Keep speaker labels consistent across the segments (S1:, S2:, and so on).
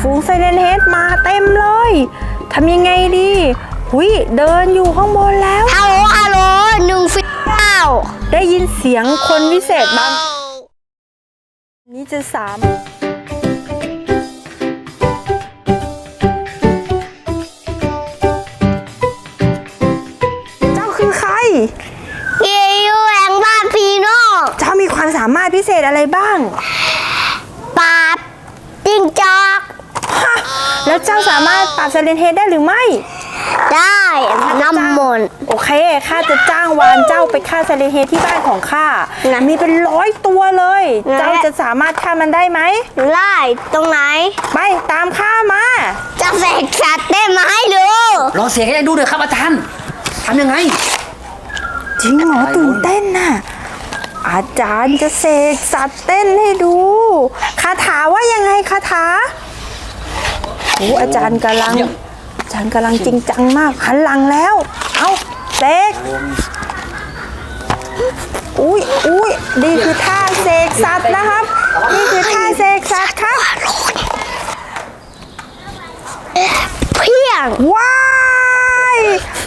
S1: ฝูงไซเรนเฮดมาเต็มเลยทำยังไงดีหุยเดินอยู่ข้างบนแล้ว
S2: ฮัลโหล1
S1: ได้ยินเสียงคนวิเศษบ้างนี้จะเจ้าคือใคร
S2: อยู่แหล่งบ้านพี่น้อง
S1: เจ้ามีความสามารถพิเศษอะไรบ้าง
S2: ปราบจิ้งจอก
S1: แล้วเจ้าสามารถปราบไซเรนเฮดได้หรือไม่
S2: ได้น้ำมนต์
S1: โอเคข้าจะจ้างวานเจ้าไปฆ่าไซเรนเฮดที่บ้านของข้ามีเป็น100 ตัวเลยเจ้าจะสามารถฆ่ามันได้ไหม
S2: ได้ตรงไหน
S1: ไปตามข้ามา
S2: จะเสกสัตว์ได้ไหมดู
S3: ลองเสกให้ดูเลยครับอาจารย์ทำยังไง
S1: จริงเหรอตื่นเต้นน่ะอาจารย์จะเสกสัตว์เต้นให้ดูคาถาว่ายังไงคาถาโอ้อาจารย์กำลังจริงจังมากหันหลังแล้วเอาเสกอุ้ยนี่คือท่าเสกสัตว์นะครับนี่คือท่าเสกสัตว์ครับ
S2: เพียง
S1: ว้าย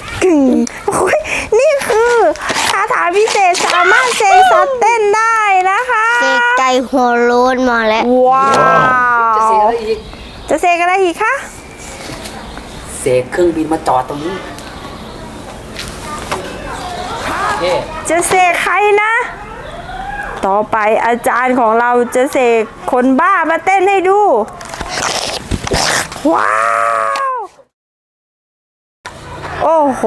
S1: นี่คือคาถาพิเศษสามารถเสกสัตว์เต้นได้นะคะ
S2: เสกใจหัวโล้นมาแล้ว
S1: ว้าวจะเสกอะไรอีกคะ
S3: เสกเครื่องบินมาจอดตรงนี้
S1: จะเสกใครนะต่อไปอาจารย์ของเราจะเสกคนบ้ามาเต้นให้ดูว้าวโอ้โห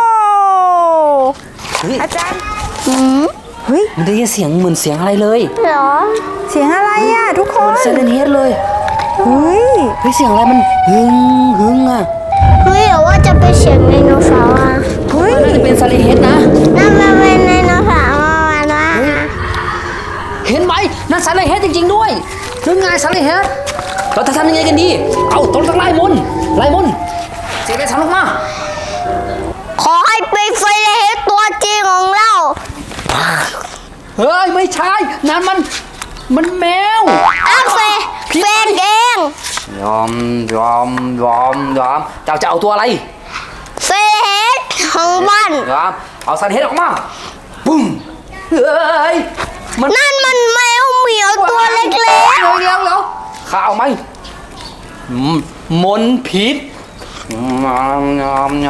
S1: อาจารย์
S3: เฮ้ยมันได้ยินเสียงเหมือนเสียงอะไรเลย
S2: เหรอ
S1: เสียงอะไรอ่ะทุกคน
S3: ไซเรนเฮดเลย
S1: เฮ้ย
S3: เสียงอะไรมันหึงอ่ะ
S2: เฮ้ยหรือว่าจะเป็นเสียงไดโนเสาร์อ่ะ
S3: เฮ้ยน่าจะเป็นไซเรนเฮดนะ
S2: นั่นมันเป็นไดโนเสาร์นะ
S3: เห็นไหมนั่นไซเรนเฮดจริงๆด้วยนึกไงไซเรนเฮดเราจะทำยังไงกันดีเอาต้องไล่มนเสกได้ทำออกมา
S2: ขอให้เป็นไซเรนเฮดตัวจริงของเรา
S3: เฮ้ยไม่ใช่นั่นมันแมว
S2: เฟนเอง
S3: ยอมเจ้าจะเอาตัวอะไร
S2: เฟนของบ้าน
S3: เอาซันเฮดออกมาปุ้มเฮ้ย
S2: นั่นมันแมวเหมียวตัวเล็กๆ
S3: แล้วข้าเอาไหมมนพิษยอม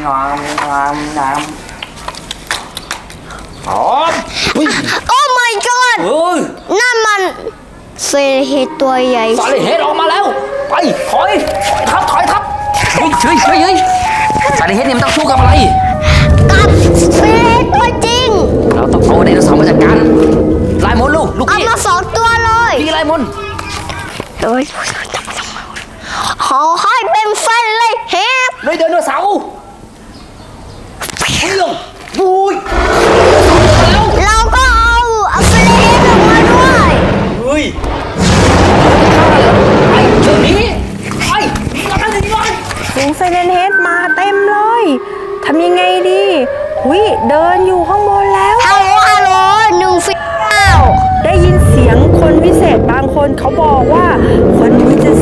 S2: โอ้ my god นั่นมันเซเฮดตัวใหญ่
S3: ซาเลเฮดออกมาแล้วไปถอยทับเฮ้ยซาเลเฮดเนี่ยมันต้องสู้กับอะไร
S2: กับเซเฮดตัวจริง
S3: เราต้องเอาไดโนเสาร์มาจัดการไล่มนลูก
S2: เอามา2 ตัวเลย
S3: พี่ไล่มน
S2: ขอให้เป็นไซเรนเฮด
S3: เลยไดโนเสาร์เรื่องปุ้ย
S2: เราก็เอาไซเรนเฮดออกมาด้วย
S3: เฮ้ยไอ้เจ้านี้ไอ้
S1: ฝูงไซเรนเฮดมาเต็มเลยทำยังไงดีหุยเดินอยู่ข้างบนแล้ว
S2: ฮัลโหล1
S1: ได้ยินเสียงคนวิเศษบางคนเขาบอกว่าคนนี้จะ